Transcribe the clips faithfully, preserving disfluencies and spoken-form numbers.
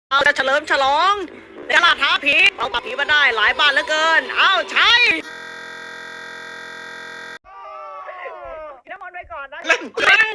เราจะเฉลิมฉลองในตลาดท้าผีเอาปราบผีมาได้หลายบ้านเหลือเกินเอ้าใช่น้ำมันไว้ก่อนนะเล่นเล่น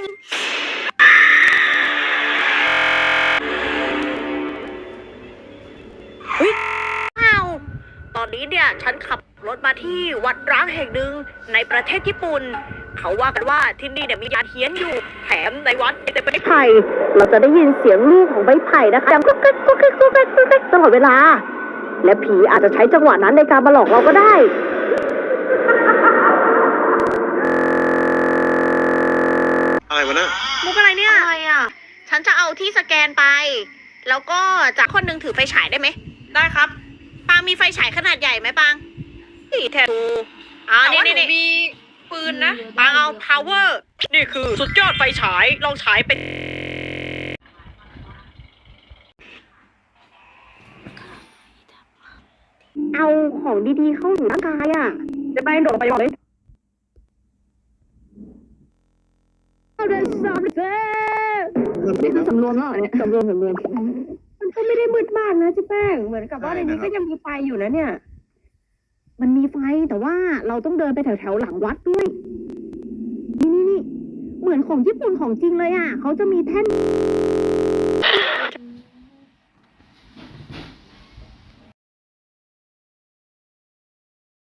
เฮ้ยอ้าวตอนนี้เนี่ยฉันขับรถมาที่วัดร้างแห่งหนึ่งในประเทศญี่ปุ่นเขาว่ากันว่าที่นี่เนี่ยมียานเฮี้ยนอยู่แถมในวัดแต่เป็นไม้ไผ่เราจะได้ยินเสียงลูกของไม้ไผ่นะคะดังกุ๊กกิ๊กกุ๊กกิ๊กกุ๊กกิ๊กกุ๊กกิ๊กตลอดเวลาและผีอาจจะใช้จังหวะนั้นในการมาหลอกเราก็ได้อะไรวะเนี่ยมุกอะไรเนี่ยอะไรอ่ะฉันจะเอาที่สแกนไปแล้วก็จากคนหนึ่งถือไฟฉายได้ไหมได้ครับปางมีไฟฉายขนาดใหญ่ไหมปางนี่แทนอ่าแต่นี่ว่าหนูนี่มีปืนนะปางเอา power นี่คือสุดยอดไฟฉายลองฉายเป็นเอาของดีๆเข้าสู่ร่างกายอ่ะจะไปโดดไปบอกเลยนี่คือสำรวมแล้วเนี่ยสำรวมสำรวมมันก็ไม่ได้มืดมากนะเจ๊แป้งเหมือนกับว่าในนี้ก็ยังมีไฟอยู่นะเนี่ยมันมีไฟแต่ว่าเราต้องเดินไปแถวแถวหลังวัดด้วยนี่นี่นี่เหมือนของญี่ปุ่นของจริงเลยอ่ะเขาจะมีแท่น